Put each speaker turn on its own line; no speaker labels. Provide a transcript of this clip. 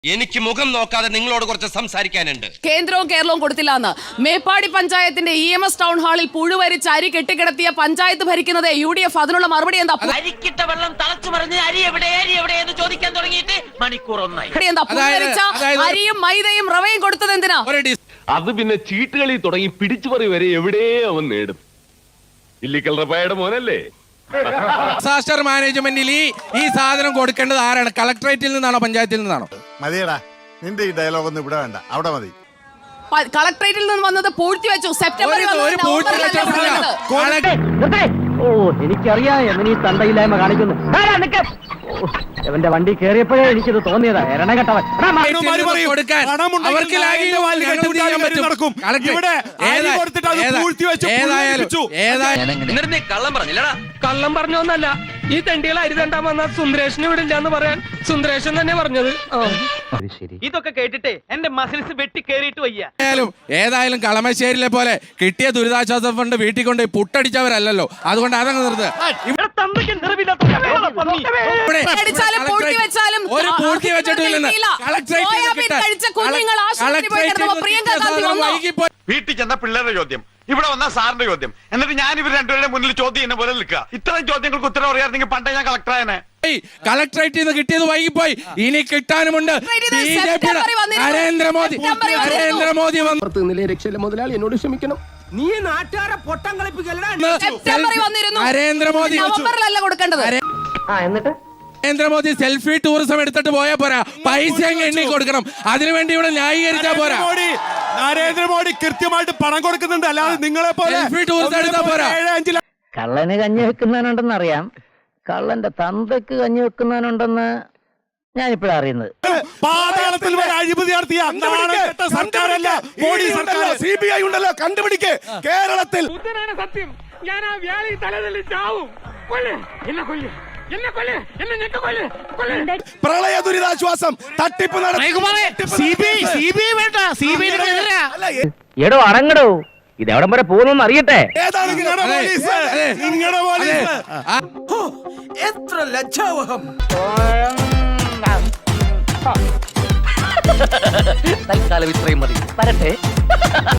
എനിക്ക് മുഖം നോക്കാതെ നിങ്ങളോട് കുറച്ച് സംസാരിക്കാനുണ്ട്.
കേന്ദ്രവും കേരളവും കൊടുത്തില്ല എന്ന് മേപ്പാടി പഞ്ചായത്തിന്റെ EMS ടൗൺ ഹാളിൽ പുഴുവരിച്ച് അരി കെട്ടിക്കിടത്തിയ പഞ്ചായത്ത് ഭരിക്കുന്നത് UDF. അതിനുള്ള മറുപടി എന്താ?
അരിക്കിട്ട വെള്ളം തിളച്ചു മറിഞ്ഞ് അരി എവിടെ എന്ന് ചോദിക്കാൻ തുടങ്ങിയിട്ട് മണിക്കൂർ ഒന്നായി.
അരിയും മൈദയും റവയും കൊടുത്തത് എന്തിനാ?
അത് പിന്നെ ചീട്ടുകളി തുടങ്ങി പിടിച്ചുപറി വരെ എവിടെ അവൻ നേടും. ഇല്ലിക്കൽ റപ്പായുടെ മോനല്ലേ?
ഡിസാസ്റ്റർ മാനേജ്മെന്റിൽ ഈ സാധനം കൊടുക്കേണ്ടത് ആരാണ്? കളക്ടറേറ്റിൽ നിന്നാണോ പഞ്ചായത്തിൽ നിന്നാണോ?
മതിയടാ, നിന്റെ ഈ ഡയലോഗ് ഒന്നും ഇവിടെ വേണ്ട, അവിടെ മതി.
കളക്ടറേറ്റിൽ നിന്ന് വന്നത് പൂഴ്ത്തിവെച്ചു. സെപ്റ്റംബറിൽ
എനിക്കറിയാം എന്നീ തണ്ടയില്ലായ്മ കാണിക്കുന്നു. എവന്റെ വണ്ടി കേറിയപ്പോഴേ എനിക്കിത് തോന്നിയതാ. എരണകെട്ടവൻ
കള്ളം പറഞ്ഞില്ലടാ. കള്ളം പറഞ്ഞോന്നല്ല, ഈ തെണ്ടികൾ അരി തണ്ടാൻ വന്നാൽ സുന്ദരേഷന് വിടില്ല എന്ന് പറയാൻ സുന്ദരേഷൻ തന്നെ പറഞ്ഞത്. ഇതൊക്കെ കേട്ടിട്ടേ എന്റെ മസിൽസ് വെട്ടി കേറിയിട്ട് വയ്യ.
ഏതായാലും കളമശ്ശേരിയിലെ പോലെ കിട്ടിയ ദുരിതാശ്വാസ ഫണ്ട് വീട്ടിൽ കൊണ്ട് പൊട്ടടിച്ചവരല്ലോ, അതുകൊണ്ട് അതങ്ങ് നിർത്ത്.
വീട്ടിൽ ചെന്ന പിള്ളേരുടെ ചോദ്യം, ഇവിടെ വന്ന സാറിന്റെ ചോദ്യം, എന്നിട്ട് ഞാൻ ഇവർ രണ്ടുപേരുടെ മുന്നിൽ ചോദ്യം ചെയ്യുന്ന പോലെ നിൽക്കുക. ഇത്തരം ചോദ്യങ്ങൾക്ക് ഉത്തരം അറിയാമെങ്കിൽ പണ്ടേ ഞാൻ കളക്ടറായനെ.
കളക്ടറേറ്റിൽ നിന്ന് കിട്ടിയത് വൈകിപ്പോയി, ഇനി കിട്ടാനുമുണ്ട്. നരേന്ദ്രമോദി
രക്ഷയില്ല മുതലാളി, എന്നോട് ക്ഷമിക്കണം.
നീ നാട്ടുകാരെ പൊട്ടം കളിപ്പിക്കലടാ.
നരേന്ദ്രമോദി
എന്നിട്ട്
നരേന്ദ്രമോദി സെൽഫി ടൂറിസം എടുത്തിട്ട് പോയാ പോരാ, പൈസ എണ്ണി കൊടുക്കണം. അതിനുവേണ്ടി ഇവിടെ ന്യായീകരിച്ചാ പോരാ.
നരേന്ദ്രമോദി കൃത്യമായിട്ട് പണം കൊടുക്കുന്നുണ്ട്, അല്ലാതെ നിങ്ങളെ പോലെ
സെൽഫി ടൂറിസം എടുത്താ പോരാ.
കള്ളന് കഞ്ഞി വെക്കുന്നവനുണ്ടെന്ന് അറിയാം, കള്ളന്റെ തന്തക്ക് കഞ്ഞി വെക്കുന്നവനുണ്ടെന്ന് ഞാനിപ്പോഴാണ് അറിയുന്നത്.
പാതാളത്തിൽ അഴിമതി നടത്തിയ സർക്കാരല്ല, മോഡി സർക്കാർ, CBI ഉണ്ടല്ലോ, കണ്ടുപിടിക്കേ. കേരളത്തിൽ
സത്യം, ഞാൻ ആ വ്യാളി തലതല്ലി ചാവും.
പ്രളയ ദുരിതാശ്വാസം തട്ടിപ്പ്
എടോ അടങ്ങടോ, ഇതെവിടം വരെ പോകുന്നു അറിയട്ടെ.
ഏതാണ് നിങ്ങളുടെ പോലീസ്?
എത്ര ലജ്ജാവഹം.
തൽക്കാലം ഇത്രയും മതി, വരട്ടെ.